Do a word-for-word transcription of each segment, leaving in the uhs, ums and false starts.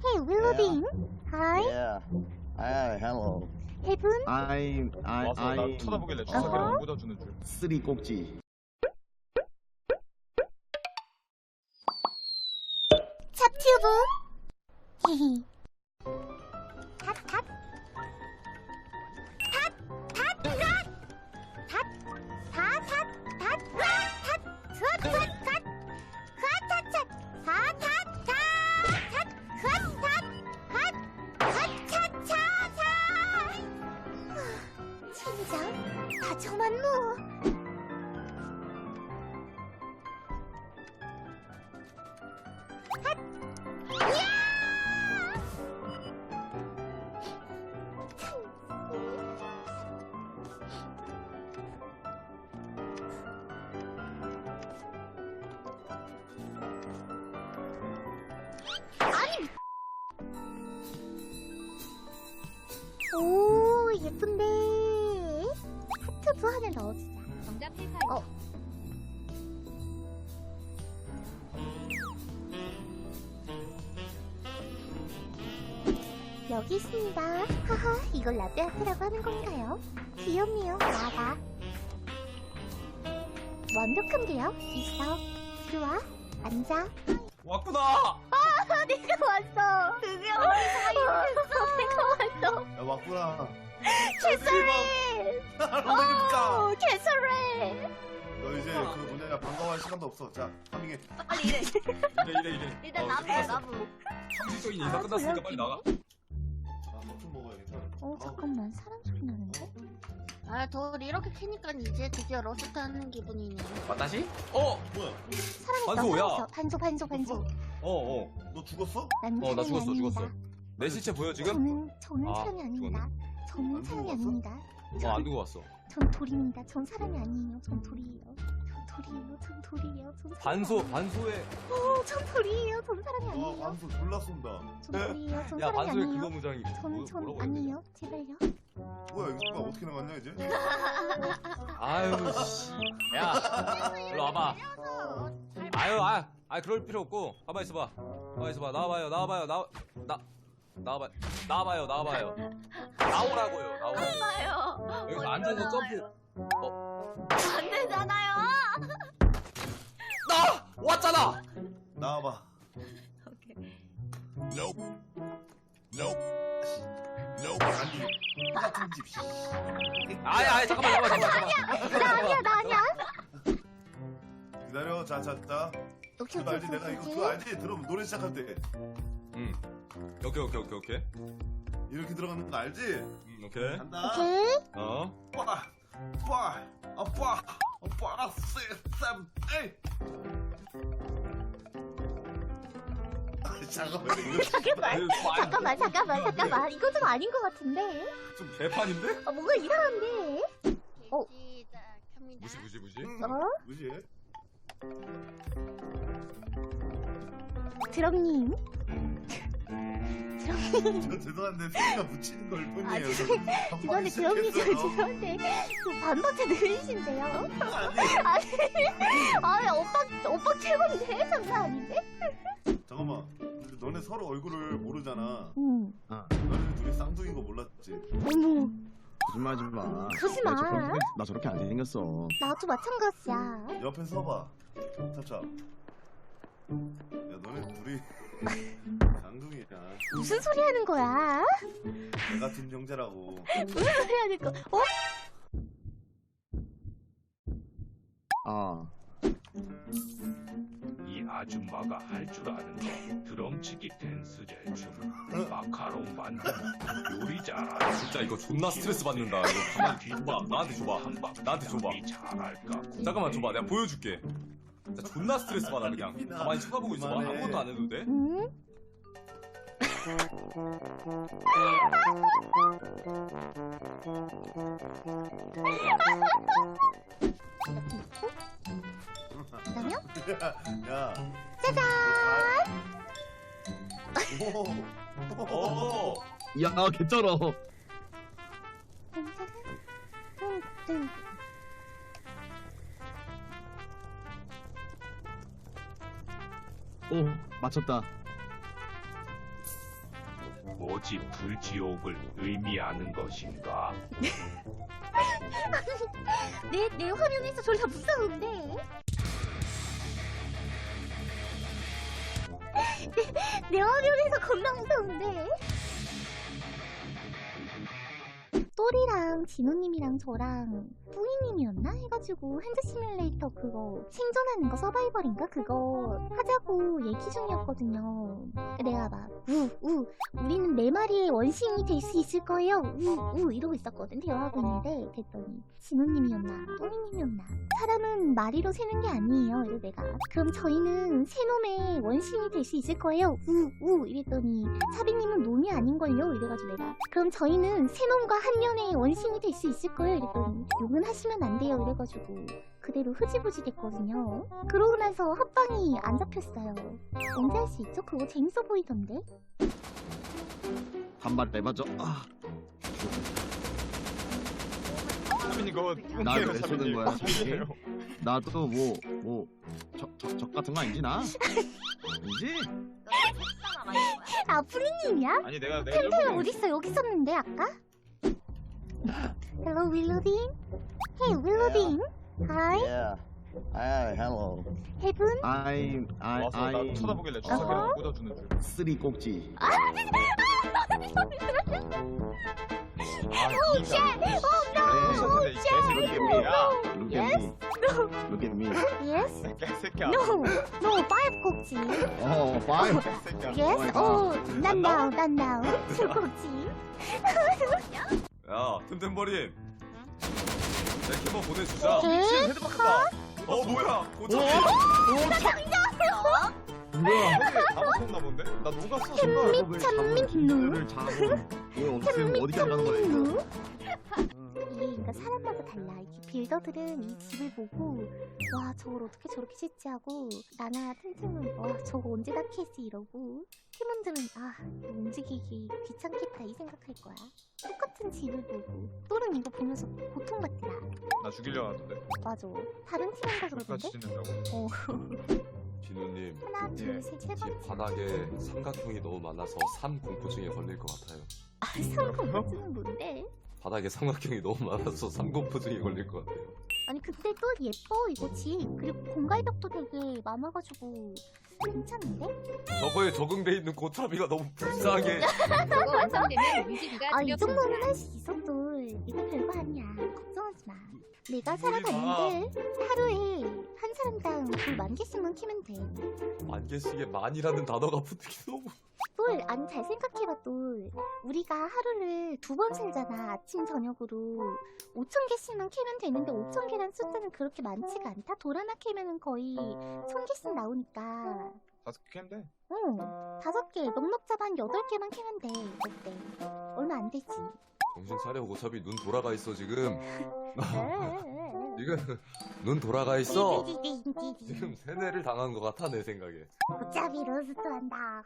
Hey, Willowbean. Hi. Yeah. Hi, hello. Heaven. I'm I 와서 나 I'm 쳐다보길래 어허. 주사기랑 묻어주는 줄. 쓰리 꼭지. 찹튜브. 히히. 탓, 탓. 탓, 탓, 탓. 탓, 탓, 탓, 탓, 탓, 탓, 탓, 탓, 탓. 핫핫핫. 핫핫핫. 핫, 핫핫. 핫, 핫차차차. 진짜 다 저만 뭐. 아니. 오, 예쁜데. 하트도 하나 넣어주자. 정답 팔팔. 어. 여기 있습니다. 하하, 이걸 라떼아트라고 하는 건가요? 귀염이요, 나가. 완벽한데요? 있어. 들어와, 앉아. 왔구나. 아, 내가 왔어. 드디어 내가 왔어. 야 왔구나. 캐서린. 로맨입니까? 어, 캐서린. 너 이제 그 뭐냐 반가워할 시간도 없어. 자, 파밍해. 빨리 이래. 이래 이래 이래. 일단 어, 나부 끝났어. 나부. 상식적인 인사 끝났으니까 빨리 나가. 아, 뭐좀 먹어야겠다. 어, 잠깐만, 사람 소리 나는데? 아, 돌 이렇게 캐니까 이제 드디어 러스트 하는 기분이네. 다시? 어. 뭐야? 사람 있어, 반소야. 사람 있어. 반소, 반소, 반소. 어 어. 너 죽었어? 난 어 나 사람이 죽었어 아닙니다. 죽었어. 내 시체 보여 지금? 저는, 저는 아, 사람이 아닙니다. 저는 안 사람이 죽어왔어? 아닙니다. 어 안 두고 왔어. 전 돌입니다. 전 사람이 아니에요. 전 돌이에요. 전 돌이에요. 전 돌이에요. 전 사람이 반소 아니에요. 반소에. 어, 전 돌이에요. 전 사람이 와, 아니에요. 반수 졸라 쏜다. 전 돌이에요. 전 야 사람이 반소에 아니에요. 그거 무장이. 전, 뭐- 전 뭐라고 해야 되냐? 아니에요. 제발요. 뭐야 이거 어떻게 나갔냐 이제? 아유 씨. 야 일로 와봐. 아유 아, 아 그럴 필요 없고 가만 있어봐. 가만 있어봐. 나와봐요. 나와봐요. 나와 나 나와봐. 나와봐요. 나와봐요. 나오라고요. 나오라고. 봐요. 여기서 앉아서 점프. 안 되잖아요. 나 왔잖아. 나와봐. 오케이. 아니 같은 집. 씨. 아이 아이 잠깐만 잠깐만 잠깐만. 잠깐만. 나 아니야. 나 아니야. 기다려. 자, 자, 자. 오케이, 그거 오케이, 알지? 오케이, 내가 이거 오케이. 그거 알지? 들으면 노래 시작할 때 응. 오케이 오케이 오케이 오케이. 이렇게 들어가는 거 알지? 응 오케이. 간다. 오케이. 어. 빠, 빠, 아빠, 아빠, 세, 삼, 에이. 잠깐만 이거 잠깐만. 잠깐만, 잠깐만, 잠깐만. 이거 좀 아닌 것 같은데? 좀 개판인데? 아, 뭔가 이상한데? 어. 시작합니다. 무시 무시 무시. 어? 무시해? 드럼님. 드럼님. 저 죄송한데 소리가 묻히는 걸 뿐이에요. 아, 저 죄송한데, 반박이 드럼님, 저 시작했어요. 죄송한데. 저 반박자 느리신데요? 아니, 아니, 아니, 오빠, 오빠 최고인데? 장난 아닌데? 잠깐만. 근데 너네 서로 얼굴을 모르잖아. 응. 너네 둘이 쌍둥이인 거 몰랐지? 어머, 거짓말하지 마. 그러지 나 마. 저렇게, 나 저렇게 안 생겼어. 나도 마찬가지야. 옆에 서봐. 차차. 야, 너네 둘이 쌍둥이야. 무슨 소리 하는 거야? 내 같은 형제라고. 무슨 소리 하는 거? 어? 아, 이 아줌마가 할 줄 아는 거 드럼치기 댄스 제춤 마카롱 만드는 요리 잘하는 진짜 이거 존나 스트레스 받는다. 이거 가만 줘봐. 나한테 줘봐. 나한테 줘봐. 잘할까 잠깐만 줘봐. 내가 보여줄게. 진짜 존나 스트레스 받아 그냥. 가만히 쳐다보고 있어봐. 그만해. 아무것도 안 해도 돼? 응? 그다음요? 야. 짜잔! 오. 오. 야, 개쩔어. 응. 오, 맞췄다. 뭐지 불지옥을 의미하는 것인가? 내, 내 화면에서 졸라 무서운데? 내, 내 화면에서 겁나 무서운데? 또리랑 진호님이랑 저랑 뿌이님이었나? 해가지고 핸드 시뮬레이터 그거 생존하는 거 서바이벌인가? 그거 하자고 얘기 중이었거든요. 내가 막 우, 우, 우리는 네 마리의 원숭이 될 수 있을 거예요. 우, 우 이러고 있었거든. 대화하고 있는데 됐더니 진호님이었나? 또이님이었나? 사람은 마리로 세는 게 아니에요. 이래 내가 그럼 저희는 세 놈의 원숭이 될 수 있을 거예요. 우, 우 이랬더니 사비님은 놈이 아닌걸요. 이래가지고 내가 그럼 저희는 세 놈과 한 년의 원숭이 될 수 있을 거예요. 이랬더니 욕은 하시면 안 돼요. 이래가지고 그대로 흐지부지 됐거든요. 그러고 나서 합방이 안 잡혔어요. 언제 할 수 있죠? 그거 재밌어 보이던데? 한발 내봐줘. 아, 사빈이 그거 나를 똥개요, 왜 쏘는 사빈이. 거야? 사빈이에요. 나도 뭐뭐적 같은 거 아니지 나? 아니지? 아 프리님이야? 아니 내가 내가 템템 저번에 어딨어? 여기 있었는데 아까? Hello 윌로딩? Hey 윌로딩? Hi? Yeah. Hi, hello. Heaven? I'm I 와서 나 I 쳐다보길래 주사기랑 꽂아주는 줄. 쓰리 꼭지. 아, Oh shit! Oh no! 근데 이 개새끼 뭐야? Look at me. Look at me. Yes? 개새끼야. No! No! Five 꼭지! Oh, five. 개새끼야. Yes? Oh Oh! Not now! Not now! Two 꼭지! 야 템템버린 내 캐머 보내주자. 에? 헤드박스다. 어 뭐야 고쳐. 뭐야? 다 먹혔나 본데? 나 녹았어. 햄미 참미 를 잡고 왜 어떻게 어디까지 가는 거야 이거? 이게 그러니까 사람마다 달라. 이게 빌더들은 이 집을 보고 와 저걸 어떻게 저렇게 짓지 하고 나나 틈틈은 와 저거 언제 다 캐지 이러고 팀원들은 아 이거 움직이기 귀찮겠다 이 생각할 거야. 똑같은 집을 보고 또는 이거 보면서 고통받더라. 나 죽이려 하던데. 맞아. 다른 팀원가 그러던데? 같이 짓는다고. 어. 진우님 하나 예. 둘셋세 집 번째. 바닥에 삼각형이 너무 많아서 삼공포증에 걸릴 것 같아요. 아 삼공포증은 뭔데? 바닥에 삼각형이 너무 많아서 삼공포증에 걸릴 것 같아요. 아니 근데 또 예뻐 이거 집. 그리고 공갈벽도 되게 많아가지고 괜찮은데? 저거에 적응돼 있는 고차비가 너무 불쌍해. 저거 완성되면 움직이가 아 이 드려 정도는 할 수 있어 또. 이거 별거 아니야. 걱정하지 마. 내가 살아갔는데 하루에 한 사람당 불 만 개씩만 키면 돼. 만 개씩에 만이라는 단어가 붙기 너무. 똘 아니 잘 생각해봐 똘. 우리가 하루를 두 번 살잖아. 아침 저녁으로 오천 개씩만 캐면 되는데 오천 개란 숫자는 그렇게 많지가 않다. 돌 하나 캐면은 거의 천 개씩 나오니까. 다섯 개 캐면 돼. 응 다섯 개 넉넉 잡아 한 여덟 개만 캐면 돼. 어때? 얼마 안 되지. 정신 차려 고차비 눈 돌아가 있어 지금. 에에에에. 지금 눈 돌아가 있어. 띠디디디디디. 지금 세뇌를 당한 것 같아 내 생각에. 어차피 로스트 한다.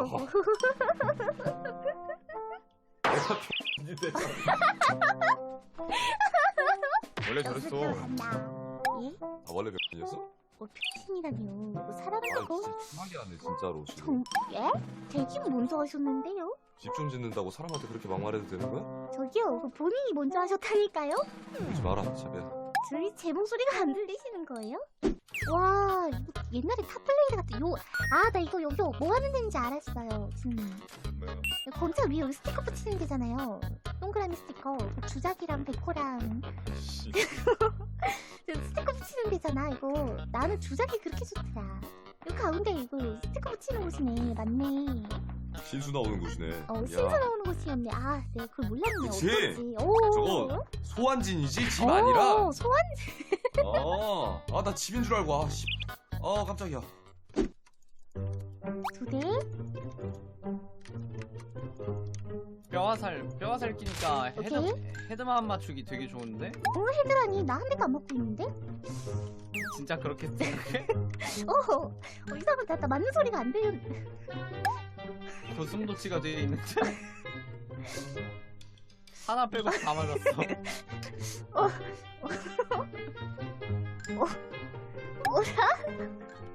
내가 X인데 원래 로스트 저랬어. 한다. 예? 아 원래 몇 번이었어? 뭐 표친이라뇨. 이거 사람을 아 갖고 진짜 심하게 하네 진짜로 지금. 정 예? 대신 먼저 하셨는데요? 집 좀 짓는다고 사람한테 그렇게 막말해도 되는 거야? 저기요, 그 본인이 먼저 하셨다니까요? 그러지 마라 차비야. 저희 제 목소리가 안 들리시는 거예요? 와, 이거 옛날에 탑플레이드 같은 요. 아, 나 이거 여기 뭐 하는 데인지 알았어요, 지금. 뭐야? 건차 위에 여기 스티커 붙이는 데잖아요. 동그라미 스티커. 그 주작이랑 백호랑 씨. 저 스티커 붙이는 데잖아, 이거. 나는 주작이 그렇게 좋더라. 이 가운데 이거 스티커 붙이는 곳이네, 맞네. 신수 나오는 곳이네. 어, 야, 신수 나오는 곳이었네. 아, 내가 그걸 몰랐네. 그치? 어떡하지? 오. 저거 소환진이지 집 오, 아니라. 소환. 어, 아 나 집인 줄 알고 아 씨. 어 깜짝이야. 두 대? 뼈화살 뼈화살 끼니까 헤드 오케이. 헤드만 맞추기 되게 좋은데? 어, 헤드라니. 나 한 대도 안 맞고 있는데? 진짜 그렇게 생각해? 어, 어 이상하다. 나 맞는 소리가 안 들려. 도승도치가 되어 있는데 하나 빼고 다 맞았어. 어, 어, 뭐야?